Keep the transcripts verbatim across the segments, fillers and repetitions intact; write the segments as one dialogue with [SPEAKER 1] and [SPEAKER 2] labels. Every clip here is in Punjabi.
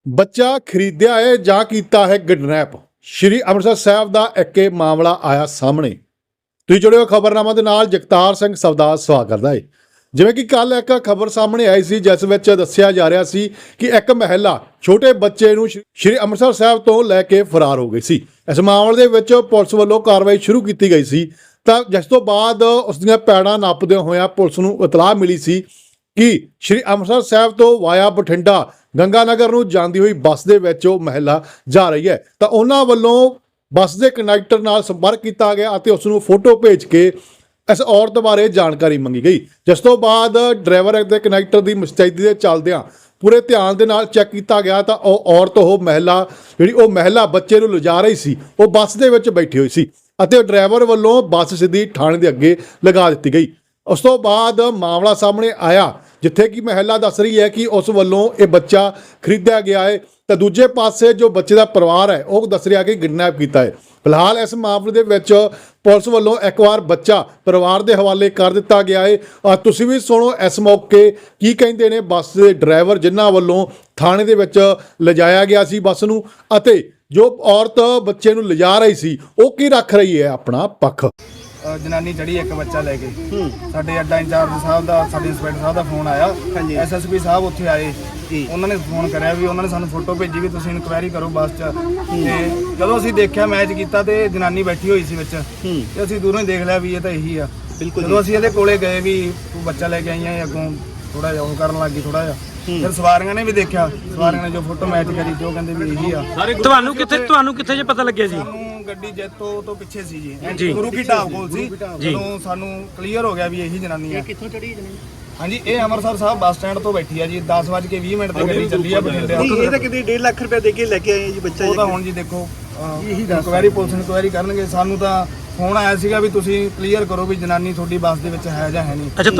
[SPEAKER 1] ਬੱਚਾ ਖਰੀਦਿਆ ਹੈ ਜਾਂ ਕੀਤਾ ਹੈ ਕਿਡਨੈਪ। ਸ਼੍ਰੀ ਅੰਮ੍ਰਿਤਸਰ ਸਾਹਿਬ ਦਾ ਇੱਕ ਇਹ ਮਾਮਲਾ ਆਇਆ ਸਾਹਮਣੇ। ਤੁਸੀਂ ਜੁੜੇ ਹੋ ਖਬਰਨਾਮਾ ਦੇ ਨਾਲ। ਜਗਤਾਰ ਸਿੰਘ ਸਵਦਾ ਸਵਾਗਤ ਕਰਦਾ ਹੈ। ਜਿਵੇਂ ਕਿ ਕੱਲ ਇੱਕ ਖਬਰ ਸਾਹਮਣੇ ਆਈ ਸੀ ਜਿਸ ਵਿੱਚ ਦੱਸਿਆ ਜਾ ਰਿਹਾ ਸੀ ਕਿ ਇੱਕ ਮਹਿਲਾ ਛੋਟੇ ਬੱਚੇ ਨੂੰ ਸ਼੍ਰੀ ਅੰਮ੍ਰਿਤਸਰ ਸਾਹਿਬ ਤੋਂ ਲੈ ਕੇ ਫਰਾਰ ਹੋ ਗਈ ਸੀ। ਇਸ ਮਾਮਲੇ ਦੇ ਵਿੱਚ ਪੁਲਿਸ ਵੱਲੋਂ ਕਾਰਵਾਈ ਸ਼ੁਰੂ ਕੀਤੀ ਗਈ ਸੀ ਤਾਂ ਜਿਸ ਤੋਂ ਬਾਅਦ ਉਸ ਦੀਆਂ ਪੈੜਾਂ ਨੱਪਦਿਆਂ ਹੋਇਆਂ ਪੁਲਿਸ ਨੂੰ ਇਤਲਾਹ ਮਿਲੀ ਸੀ ਕਿ ਸ਼੍ਰੀ ਅੰਮ੍ਰਿਤਸਰ ਸਾਹਿਬ ਤੋਂ ਵਾਇਆ ਬਠਿੰਡਾ ਗੰਗਾਨਗਰ ਨੂੰ ਜਾਂਦੀ ਹੋਈ ਬੱਸ ਦੇ ਵਿੱਚ ਉਹ ਮਹਿਲਾ ਜਾ ਰਹੀ ਹੈ ਤਾਂ ਉਹਨਾਂ ਵੱਲੋਂ ਬੱਸ ਦੇ ਕੰਡਕਟਰ ਨਾਲ ਸੰਪਰਕ ਕੀਤਾ ਗਿਆ ਅਤੇ ਉਸ ਨੂੰ ਫੋਟੋ ਭੇਜ ਕੇ ਇਸ ਔਰਤ ਬਾਰੇ ਜਾਣਕਾਰੀ ਮੰਗੀ ਗਈ। ਜਿਸ ਤੋਂ ਬਾਅਦ ਡਰਾਈਵਰ ਅਤੇ ਕੰਡਕਟਰ ਦੀ ਮੁਸਤੈਦੀ ਦੇ ਚੱਲਦਿਆਂ ਪੂਰੇ ਧਿਆਨ ਦੇ ਨਾਲ ਚੈੱਕ ਕੀਤਾ ਗਿਆ ਤਾਂ ਉਹ ਔਰਤ ਉਹ ਮਹਿਲਾ ਜਿਹੜੀ ਉਹ ਮਹਿਲਾ ਬੱਚੇ ਨੂੰ ਲਿਜਾ ਰਹੀ ਸੀ ਉਹ ਬੱਸ ਦੇ ਵਿੱਚ ਬੈਠੀ ਹੋਈ ਸੀ ਅਤੇ ਡਰਾਈਵਰ ਵੱਲੋਂ ਬੱਸ ਸਿੱਧੀ ਥਾਣੇ ਦੇ ਅੱਗੇ ਲਗਾ ਦਿੱਤੀ ਗਈ। ਉਸ ਤੋਂ ਬਾਅਦ ਮਾਮਲਾ ਸਾਹਮਣੇ ਆਇਆ ਜਿੱਥੇ ਕਿ ਮਹਿਲਾ ਦੱਸ ਰਹੀ ਹੈ ਕਿ ਉਸ ਵੱਲੋਂ ਇਹ ਬੱਚਾ ਖਰੀਦਿਆ ਗਿਆ ਹੈ ਤਾਂ ਦੂਜੇ ਪਾਸੇ ਜੋ ਬੱਚੇ ਦਾ ਪਰਿਵਾਰ ਹੈ ਉਹ ਦੱਸ ਰਿਹਾ ਕਿ ਕਿਡਨੈਪ ਕੀਤਾ ਹੈ। ਫਿਲਹਾਲ ਇਸ ਮਾਮਲੇ ਦੇ ਵਿੱਚ ਪੁਲਿਸ ਵੱਲੋਂ ਇੱਕ ਵਾਰ ਬੱਚਾ ਪਰਿਵਾਰ ਦੇ ਹਵਾਲੇ ਕਰ ਦਿੱਤਾ ਗਿਆ ਹੈ। ਤੁਸੀਂ ਵੀ ਸੁਣੋ ਇਸ ਮੌਕੇ ਕੀ ਕਹਿੰਦੇ ਨੇ ਬੱਸ ਦੇ ਡਰਾਈਵਰ ਜਿਨ੍ਹਾਂ ਵੱਲੋਂ ਥਾਣੇ ਦੇ ਵਿੱਚ ਲਿਜਾਇਆ ਗਿਆ ਸੀ ਬੱਸ ਨੂੰ, ਅਤੇ ਜੋ ਔਰਤ ਬੱਚੇ ਨੂੰ ਲਿਜਾ ਰਹੀ ਸੀ ਉਹ ਕੀ ਰੱਖ ਰਹੀ ਹੈ ਆਪਣਾ ਪੱਖ।
[SPEAKER 2] ਜਨਾਨੀ ਚੜੀ ਇੱਕ ਬੱਚਾ ਲੈ ਕੇ ਸਾਡੇ ਅੱਡਾ ਇੰਚਾਰਜ ਸਾਹਿਬ ਦਾ ਸਾਡੇ ਇੰਸਪੈਕਟਰ ਸਾਹਿਬ ਦਾ ਫੋਨ ਆਇਆ। ਐਸ ਐਸ ਪੀ ਸਾਹਿਬ ਉੱਥੇ ਆਏ, ਉਹਨਾਂ ਨੇ ਫੋਨ ਕਰਿਆ ਵੀ ਉਹਨਾਂ ਨੇ ਸਾਨੂੰ ਫੋਟੋ ਭੇਜੀ ਵੀ ਤੁਸੀਂ ਇਨਕੁਆਇਰੀ ਕਰੋ ਬੱਸ 'ਚ। ਤੇ ਜਦੋਂ ਅਸੀਂ ਦੇਖਿਆ ਮੈਚ ਕੀਤਾ ਤੇ ਜਨਾਨੀ ਬੈਠੀ ਹੋਈ ਸੀ ਵਿੱਚ ਤੇ ਅਸੀਂ ਦੂਰੋਂ ਹੀ ਦੇਖ ਲਿਆ ਵੀ ਇਹ ਤਾਂ ਇਹੀ ਆ। ਜਦੋਂ ਅਸੀਂ ਇਹਦੇ ਕੋਲੇ ਗਏ ਵੀ ਤੂੰ ਬੱਚਾ ਲੈ ਕੇ ਆਈ ਆ, ਅੱਗੋਂ ਥੋੜਾ ਜਿਹਾ ਉਹ ਕਰਨ ਲੱਗੀ ਥੋੜਾ ਜਿਹਾ। ਫਿਰ ਸਵਾਰੀਆਂ ਨੇ ਵੀ ਦੇਖਿਆ, ਸਵਾਰੀਆਂ ਨੇ ਜੋ ਫੋਟੋ ਮੈਚ ਕਰੀ ਤੇ ਉਹ ਕਹਿੰਦੇ ਵੀ ਇਹੀ ਆ।
[SPEAKER 3] ਤੁਹਾਨੂੰ ਕਿੱਥੇ ਤੁਹਾਨੂੰ ਕਿੱਥੇ ਜੇ ਪਤਾ ਲੱਗਿਆ ਜੀ?
[SPEAKER 2] ਗੱਡੀ ਜੈਤੋ ਤੋਂ ਪਿੱਛੇ ਸੀ ਜੀ, ਗੁਰੂ ਕੀ ਢਾਬ ਕੋਲ ਸੀ। ਜਦੋਂ ਸਾਨੂੰ ਕਲੀਅਰ ਹੋ ਗਿਆ ਵੀ ਇਹੀ ਜਨਾਨੀ ਆ। ਕਿੱਥੋਂ ਚੜੀ ਜਨਾਨੀ? ਹਾਂਜੀ, ਇਹ ਅੰਮ੍ਰਿਤਸਰ ਸਾਹਿਬ ਬੱਸ ਸਟੈਂਡ ਤੋਂ ਬੈਠੀ ਆ ਜੀ। ਦਸ ਵੱਜ ਕੇ ਵੀਹ ਮਿੰਟ ਤੇ ਗੱਡੀ ਚੱਲੀ ਆ ਬਠਿੰਡੇ।
[SPEAKER 4] ਇਹ ਤਾਂ ਕਿਤੇ ਡੇਢ ਲੱਖ ਰੁਪਏ ਦੇ ਕੇ ਲੈ ਕੇ ਆਏ ਜੀ ਬੱਚਾ।
[SPEAKER 2] ਉਹ ਤਾਂ ਹੁਣ ਜੀ ਦੇਖੋ ਇਨਕੁਆਇਰੀ ਪੁਲਿਸ ਇਨਕੁਆਇਰੀ ਕਰਨਗੇ। ਸਾਨੂੰ ਤਾਂ ਫੋਨ ਆਇਆ ਸੀਗਾ ਵੀ ਤੁਸੀਂ ਕਲੀਅਰ ਕਰੋ ਵੀ ਜਨਾਨੀ ਤੁਹਾਡੀ ਬੱਸ ਦੇ ਵਿੱਚ ਹੈ ਜਾਂ ਹੈ ਨਹੀਂ।
[SPEAKER 3] ਅੱਛਾ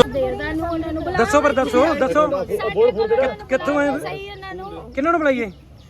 [SPEAKER 3] ਦੱਸੋ ਪਰ ਦੱਸੋ ਦੱਸੋ ਕਿੱਥੋਂ ਆਏ? ਕਿਹਨਾਂ ਨੂੰ ਬੁਲਾਈਏ?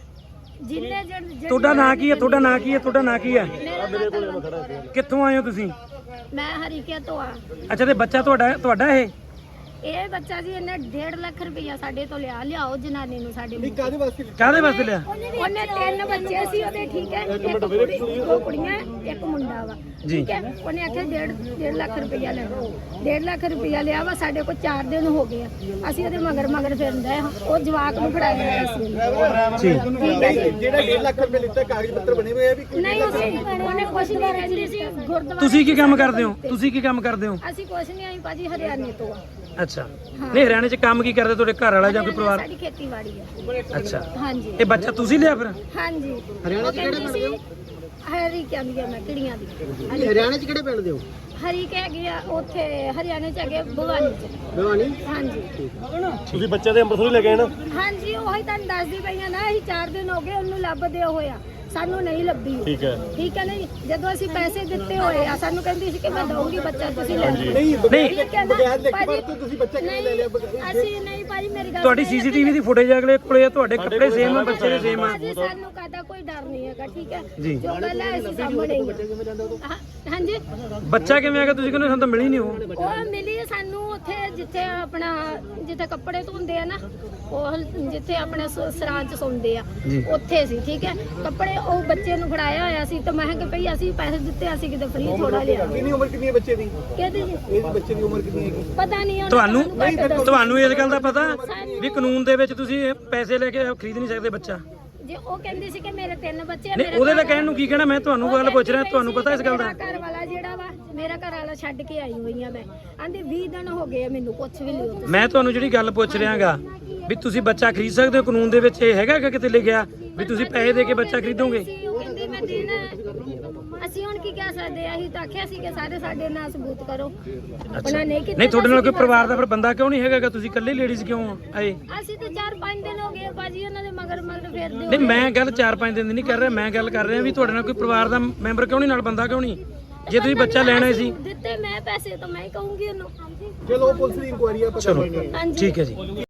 [SPEAKER 3] ਤੁਹਾਡਾ ਨਾਂ ਕੀ ਹੈ? ਤੁਹਾਡਾ ਨਾਂ ਕੀ ਹੈ? ਤੁਹਾਡਾ ਨਾਂ ਕੀ ਹੈ? ਕਿੱਥੋਂ ਆਏ ਹੋ ਤੁਸੀਂ?
[SPEAKER 5] ਮੈਂ ਹਰੀਕੇ ਤੋਂ ਆ।
[SPEAKER 3] ਅੱਛਾ ਤੇ ਬੱਚਾ ਤੁਹਾਡਾ ਤੁਹਾਡਾ ਇਹ
[SPEAKER 5] ਇਹ ਬੱਚਾ ਜੀ ਇਹਨੇ ਡੇਢ ਲੱਖ ਰੁਪਇਆ ਸਾਡੇ ਤੋਂ ਲਿਆ ਲਿਆਓ ਜਨਾਨੀ ਨੂੰ ਸਾਡੇ ਨੂੰ।
[SPEAKER 4] ਕਾਹਦੇ ਵਾਸਤੇ
[SPEAKER 3] ਕਾਹਦੇ ਵਾਸਤੇ ਲਿਆ?
[SPEAKER 5] ਉਹਨੇ ਤਿੰਨ ਬੱਚੇ ਸੀ ਉਹਦੇ, ਠੀਕ ਹੈ, ਇੱਕ ਕੁੜੀ ਦੋ ਕੁੜੀਆਂ ਇੱਕ ਮੁੰਡਾ ਵਾ, ਠੀਕ ਹੈ। ਉਹਨੇ ਆਖਿਆ ਡੇਢ ਡੇਢ ਲੱਖ ਰੁਪਇਆ ਲੈਣਾ। ਡੇਢ ਲੱਖ ਰੁਪਇਆ ਲਿਆ ਵਾ। ਸਾਡੇ ਕੋਲ ਚਾਰ ਦਿਨ ਹੋ ਗਏ ਆ, ਅਸੀਂ ਉਹਦੇ ਮਗਰ ਮਗਰ ਫਿਰਦੇ ਆ। ਉਹ ਜਵਾਕ ਨੂੰ ਫੜਾਇਆ ਹੋਇਆ ਸੀ
[SPEAKER 4] ਜਿਹੜਾ ਡੇਢ ਲੱਖ ਰੁਪਏ ਲਿੱਤਾ ਕਾਗਜ਼ ਪੱਤਰ ਬਣੇ ਹੋਏ ਆ ਵੀ
[SPEAKER 5] ਨਹੀਂ। ਉਹਨੇ ਕੁਛ ਨਹੀਂ ਕਹਿੰਦੀ ਸੀ। ਗੁਰਦੁਆਰਾ
[SPEAKER 3] ਤੁਸੀਂ ਕੀ ਕੰਮ ਕਰਦੇ ਹੋ? ਤੁਸੀਂ ਕੀ ਕੰਮ ਕਰਦੇ ਹੋ?
[SPEAKER 5] ਅਸੀਂ ਕੁਛ ਨਹੀਂ, ਆਈ ਭਾਜੀ ਹਰਿਆਣੇ ਤੋਂ ਆ।
[SPEAKER 3] ਅੱਛਾ, ਨਹੀਂ ਹਰਿਆਣੇ 'ਚ ਕੰਮ ਕੀ ਕਰਦੇ ਤੁਹਾਡੇ ਘਰ ਵਾਲਾ ਜਾਂ ਕੋਈ ਪਰਿਵਾਰ?
[SPEAKER 5] ਸਾਡੀ ਖੇਤੀਬਾੜੀ ਆ।
[SPEAKER 3] ਅੱਛਾ,
[SPEAKER 5] ਹਾਂਜੀ।
[SPEAKER 3] ਇਹ ਬੱਚਾ ਤੁਸੀਂ ਲਿਆ ਫਿਰ?
[SPEAKER 5] ਹਾਂਜੀ। ਹਰਿਆਣਾ ਚ ਕਿਹੜੇ ਸੀ? ਹਰੀ ਕਹਿੰਦੀ ਆ ਮੈਂ ਕਿਹੜੀਆਂ ਦੀ।
[SPEAKER 4] ਹਰਿਆਣਾ ਚ ਕਿਹੜੇ ਪਿੰਡ ਦੇ ਹੋ?
[SPEAKER 5] ਹਰੀ ਕਹਿ ਗਿਆ ਉੱਥੇ ਹਰਿਆਣੇ ਚ ਹੈਗੇ ਭਵਾਨੀ ਚ।
[SPEAKER 4] ਭਵਾਨੀ?
[SPEAKER 5] ਹਾਂਜੀ।
[SPEAKER 3] ਤੁਸੀਂ ਬੱਚੇ ਦੇ ਅੰਮ੍ਰਿਤਸਰ ਲੈ ਗਏ ਨਾ?
[SPEAKER 5] ਹਾਂਜੀ, ਉਹੀ ਤੁਹਾਨੂੰ ਦੱਸਦੀ ਪਈਆਂ ਨਾ। ਅਸੀਂ ਚਾਰ ਦਿਨ ਹੋ ਗਏ ਉਹਨੂੰ ਲੱਭਦੇ ਹੋਇਆ, ਸਾਨੂੰ ਨਹੀਂ ਲੱਭੀ। ਠੀਕ ਹੈ, ਠੀਕ ਹੈ। ਨਹੀਂ, ਜਦੋਂ ਅਸੀਂ ਪੈਸੇ ਦਿੱਤੇ ਹੋਏ ਆ ਸਾਨੂੰ ਕਹਿੰਦੀ ਸੀ ਕਿ ਮੈਂ ਦਊਂਗੀ ਬੱਚਾ, ਤੁਸੀਂ ਲੈ ਲਓ।
[SPEAKER 3] ਨਹੀਂ
[SPEAKER 4] ਤੁਸੀਂ ਬੱਚਾ ਕਿਵੇਂ ਲੈ ਲਿਆ?
[SPEAKER 5] ਅਸੀਂ ਨਹੀਂ ਭਾਜੀ, ਮੇਰੀ ਗੱਲ
[SPEAKER 3] ਤੁਹਾਡੀ ਸੀਸੀਟੀਵੀ ਦੀ ਫੁਟੇਜ ਅਗਲੇ ਕੋਲੇ ਆ, ਤੁਹਾਡੇ ਕੱਪੜੇ ਸੇਮ ਆ, ਬੱਚੇ ਦੇ ਸੇਮ ਆ।
[SPEAKER 5] ਸਾਨੂੰ ਕਾਹਦਾ ਕੋਈ ਡਰ ਨਹੀਂ ਹੈਗਾ, ਠੀਕ ਹੈ। ਜੋ ਗੱਲ ਹੈ ਅਸੀਂ ਸਾਹਮਣੇ ਹੀ ਆ। ਹਾਂਜੀ।
[SPEAKER 3] ਬੱਚਾ ਕਿਵੇਂ ਆ ਗਿਆ? ਤੁਸੀਂ ਕਹਿੰਦੇ ਸਾਨੂੰ ਤਾਂ ਮਿਲੀ ਨਹੀਂ। ਉਹ
[SPEAKER 5] ਉਹ ਮਿਲੀ ਸਾਨੂੰ ਉੱਥੇ ਜਿੱਥੇ ਆਪਣਾ ਜਿੱਥੇ ਕੱਪੜੇ ਧੋਂਦੇ ਆ ਨਾ, ਉਹ ਜਿੱਥੇ ਆਪਣੇ ਸਰਾਂ ਚ ਸੌਂਦੇ ਆ ਉੱਥੇ ਸੀ, ਠੀਕ ਹੈ। ਕੱਪੜੇ ਉਹ ਬੱਚੇ ਨੂੰ ਫੜਾਇਆ ਹੋਇਆ ਸੀ ਤਾਂ ਮੈਂ ਕਿਹਾ ਭਈ ਅਸੀਂ ਪੈਸੇ ਦਿੱਤੇ, ਅਸੀਂ ਕਿਤੇ ਫ੍ਰੀ ਥੋੜਾ ਲਿਆ।
[SPEAKER 4] ਕਿੰਨੀ ਉਮਰ ਕਿੰਨੀ ਹੈ ਬੱਚੇ ਦੀ?
[SPEAKER 5] ਕਿਹਦੀ ਜੀ?
[SPEAKER 4] ਇਹ ਬੱਚੇ ਦੀ ਉਮਰ ਕਿੰਨੀ ਹੈਗੀ
[SPEAKER 5] ਪਤਾ ਨਹੀਂ
[SPEAKER 3] ਤੁਹਾਨੂੰ। ਤੁਹਾਨੂੰ ਇਸ ਗੱਲ ਦਾ ਪਤਾ ਵੀ ਕਾਨੂੰਨ ਦੇ ਵਿੱਚ ਤੁਸੀਂ ਪੈਸੇ ਲੈ ਕੇ ਖਰੀਦ ਨਹੀਂ ਸਕਦੇ ਬੱਚਾ?
[SPEAKER 5] ਜੇ ਉਹ ਕਹਿੰਦੀ ਸੀ ਕਿ ਮੇਰੇ ਤਿੰਨ ਬੱਚੇ ਆ।
[SPEAKER 3] ਨਹੀਂ, ਉਹਦੇ ਤਾਂ ਕਹਿਣ ਨੂੰ ਕੀ ਕਹਿਣਾ, ਮੈਂ ਤੁਹਾਨੂੰ ਗੱਲ ਪੁੱਛ ਰਿਹਾ, ਤੁਹਾਨੂੰ ਪਤਾ ਇਸ ਗੱਲ ਦਾ?
[SPEAKER 5] ਘਰ ਵਾਲਾ ਜਿਹੜਾ ਵਾ ਮੇਰਾ ਘਰ ਵਾਲਾ ਛੱਡ ਕੇ ਆਈ ਹੋਈ ਆ ਮੈਂ। ਆਂਦੇ ਵੀਹ ਦਿਨ ਹੋ ਗਏ ਮੈਨੂੰ ਕੁਛ ਵੀ ਨਹੀਂ ਹੁੰਦਾ।
[SPEAKER 3] ਮੈਂ ਤੁਹਾਨੂੰ ਜਿਹੜੀ ਗੱਲ ਪੁੱਛ ਰਿਹਾਗਾ ਵੀ ਤੁਸੀਂ ਬੱਚਾ ਖਰੀਦ ਸਕਦੇ ਹੋ, ਕਾਨੂੰਨ ਦੇ ਵਿੱਚ ਇਹ ਹੈਗਾ ਕਿ ਕਿਤੇ ਲਿਖਿਆ ਵੀ ਤੁਸੀਂ ਪੈਸੇ ਦੇ ਕੇ ਬੱਚਾ ਖਰੀਦੋਗੇ?
[SPEAKER 5] ਉਹ ਕਹਿੰਦੀ ਮੈਂ ਦੇਣਾ। ਅਸੀਂ ਹੁਣ ਕੀ ਕਹਿ ਸਕਦੇ ਆ? ਅਸੀਂ ਤਾਂ ਆਖਿਆ ਸੀ ਕਿ ਸਾਰੇ ਸਾਡੇ ਨਾਲ ਸਬੂਤ ਕਰੋ। ਉਹਨਾਂ ਨੇ ਕੀਤਾ।
[SPEAKER 3] ਨਹੀਂ, ਤੁਹਾਡੇ ਨਾਲ ਕੋਈ ਪਰਿਵਾਰ ਦਾ ਫਿਰ ਬੰਦਾ ਕਿਉਂ ਨਹੀਂ ਹੈਗਾ? ਤੁਸੀਂ ਇਕੱਲੇ ਲੇਡੀਜ਼ ਕਿਉਂ ਆਏ?
[SPEAKER 5] ਅਸੀਂ ਤਾਂ ਚਾਰ ਪੰਜ ਦਿਨ ਹੋ ਗਏ ਬਾਜੀ ਉਹਨਾਂ ਦੇ ਮਗਰ ਮਗਰ ਫਿਰਦੇ।
[SPEAKER 3] ਨਹੀਂ, ਮੈਂ ਗੱਲ ਚਾਰ ਪੰਜ ਦਿਨ ਦੀ ਨਹੀਂ ਕਰ ਰਿਹਾ, ਮੈਂ ਗੱਲ ਕਰ ਰਿਹਾ ਵੀ ਤੁਹਾਡੇ ਨਾਲ ਕੋਈ ਪਰਿਵਾਰ ਦਾ ਮੈਂਬਰ ਕਿਉਂ ਨਹੀਂ, ਨਾਲ ਬੰਦਾ ਕਿਉਂ ਨਹੀਂ? ਜੇ ਤੁਸੀਂ ਬੱਚਾ ਲੈਣਾ ਸੀ
[SPEAKER 5] ਦਿੱਤੇ ਮੈਂ ਪੈਸੇ ਤਾਂ ਮੈਂ ਹੀ ਕਹੂੰਗੀ ਉਹਨੂੰ।
[SPEAKER 4] ਚਲੋ ਪੁਲਿਸ ਦੀ ਇਨਕੁਆਇਰੀ ਆ, ਪਤਾ
[SPEAKER 3] ਚਲੋ
[SPEAKER 4] ਲੱਗੇਗਾ।
[SPEAKER 5] ਹਾਂਜੀ,
[SPEAKER 3] ਠੀਕ ਹੈ ਜੀ।